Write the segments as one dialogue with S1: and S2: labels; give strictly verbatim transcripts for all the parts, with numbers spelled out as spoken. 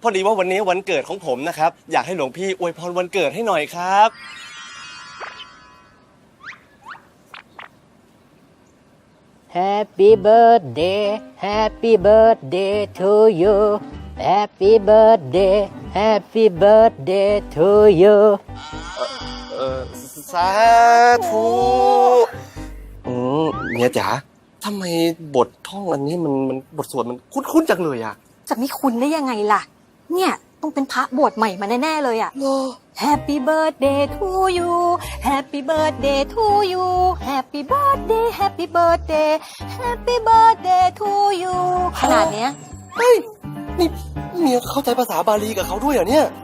S1: อดีว่าวันนี้วันเกิดของผมนะครับอยากให้หลวงพี่อวยพรวันเกิดให้หน่อยครับ
S2: Happy birthday Happy birthday to you Happy birthday Happy birthday to you
S1: เออสาธุอืมเมียจ๋าทำไมบทท่องอันนี้มันมันบทสวดมันคุ้นๆจังเลยอะ
S3: จะไม่คุ้นได้ยังไงล่ะเนี่ยต้องเป็นพระบวชใหม่มาแน่ๆเลยอะ Happy birthday to you Happy birthday to you Happy birthday Happy birthday Happy birthday to you ขนาดเนี้ย
S1: เฮ้ยนี่เมียเข้าใจภาษาบาลีกับเขาด้วยเหรอเนี่ย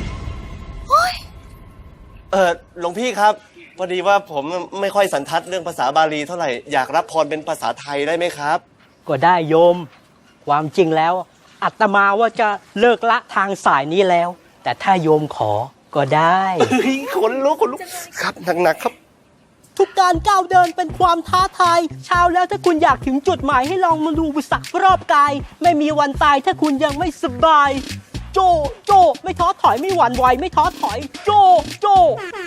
S1: เออหลวงพี่ครับพอดีว่าผมไม่ค่อยสันทัดเรื่องภาษาบาลีเท่าไหร่อยากรับพรเป็นภาษาไทยได้ไหมครับ
S2: ก็ได้โยม ความจริงแล้วอาตมาว่าจะเลิกละทางสายนี้แล้ว แต่ถ้าโยมขอก็ได้
S1: เฮ้ยขนลุกขนลุกครับหนักๆครับ
S2: ทุกการก้าวเดินเป็นความท้าทายเช้าแล้วถ้าคุณอยากถึงจุดหมายให้ลองมาดูบุษักรอบกาย ไม่มีวันตายถ้าคุณยังไม่สบาย โจโจไม่ท้อถอยไม่หวั่นไหวไม่ท้อถอย โจโจ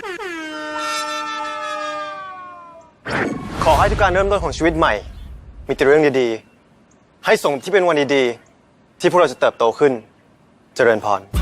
S4: ขอให้ทุกการเริ่มต้นของชีวิตใหม่ มีแต่เรื่องดีๆ ให้ส่งที่เป็นวันดีๆ ที่พวกเราจะเติบโตขึ้นเจริญพร